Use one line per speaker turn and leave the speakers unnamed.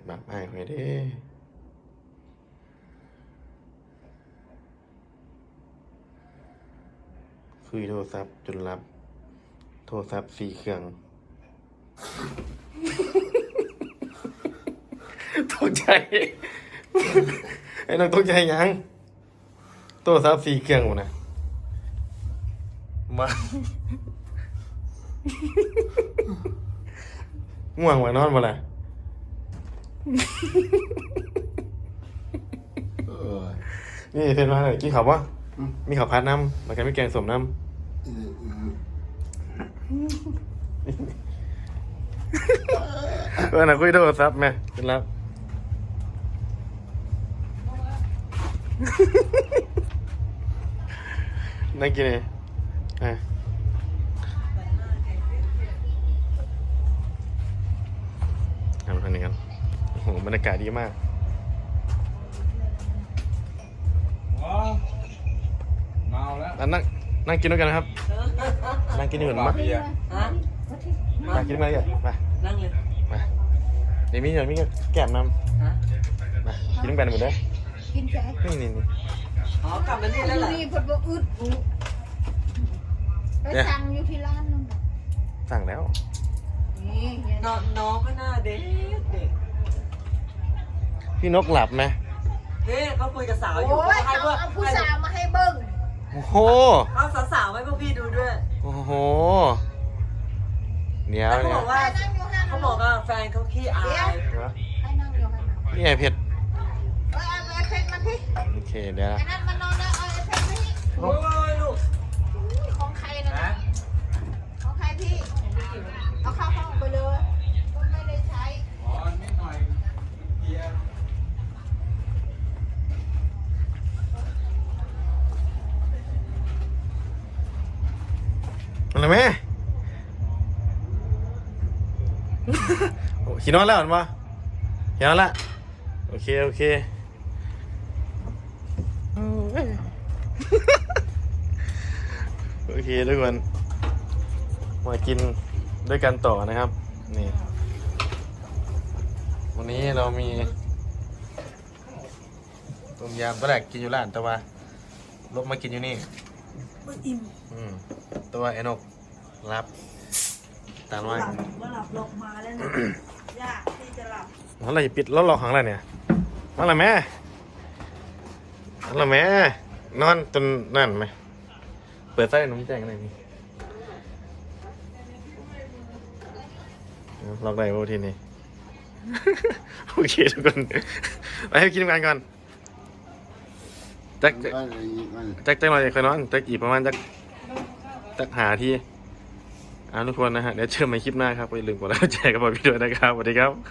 แบบอ้ายข่อยเด้คุยโทรศัพท์จนรับโทรศัพท์4 เครื่องตกใจไอ้น้องตกใจยังโทรศัพท์4 เครื่องหมดนะมาง่วงว่านอนบ่ล่ะนี่เพิ่นมาเลยกินข้าวบ่มีข้าวผัดน้ำแล้วก็มีแกงส้มน้ำน่ะคุยโทรศัพท์แม่เป็นรับนั่งกินเลยทำนี้กันโอ้โหบรรยากาศดีมาก
เมาแล้ว
นั่งกินด้วยกันนะครับนั่งกินด้วยกันมา
ฮะ
มากินมาเลยมา
นั่งเลย
มาเดี๋ยวมีแก้มน้
ฮะ
ำมากินด้วยกันหมดเลย
กินแค่
นี่
อ๋อกลับมานี่แล้วเหรอ
นี่เพิ่นบ่อึดไปสั่งอยู่ที่ร้านนึง
สั่งแล้ว
นี่
น้องก็หน้าเด็กเด็ก
พี่นกหลับไหม
เฮ้ยเขาคุยกับสาวอยู่
โอ้ย
ให้พวก
เอาผู้สาวมาให้เบิ่ง
โอ้โห
เอาสาวๆให้พวกพี่ดูด้วย
โอ้โหเดี๋ยว
แล้วเขา
เนี่ย
บอกว่า
นั่งอยู่นั่น
เขาบอกว่าแฟนเขาขี้อาย
ให้นั่งอยู่นั่นน่ะ
นี่ไงเผ็ด
เอาไอ้เพชรมาที่
โอเคเดี๋ยว
ไอ้นั่นมานอนแล้วเอาไอ้เพชรมาที่
โอ้ยลูก
ของใครนะของใครพี่เอาเข้าห้องไปเลยไม่ได้ใช้
ขอนิดหน่อยเพียร์
อะไรแม่โอ้ขี่นอนแล้วเหรอมาขี่นอนละโอเคโอเคโอเคทุกคนมากินด้วยกันต่อนะครับนี่วันนี้เรามีต้มยำตอนแรกกินอยู่ร้านแต่ว่าลบมากินอยู่นี่อิ่มตัวไอ้นกรับตามว่า
ว่าหลับลงมาแล้วนะยากที่จะหลับ
อะไรปิดแล้วรอของอะไรเนี่ยมาละแม่มาละแม่นอนจนนั่นไหมเปิดไส้หนุ่มแจ้งอะไรนี่ล็อกได้โอ้ทีนี้ โอเคทุกคนไปให้กินกันก่อนจักหน่อยเคยนอนจักอีกประมาณจักหาที่ทุกคนนะฮะเดี๋ยวเจอกันใหม่คลิปหน้าครับอย่าลืมกดไลค์กดแชร์กับผมด้วยนะครับสวัสดีครับ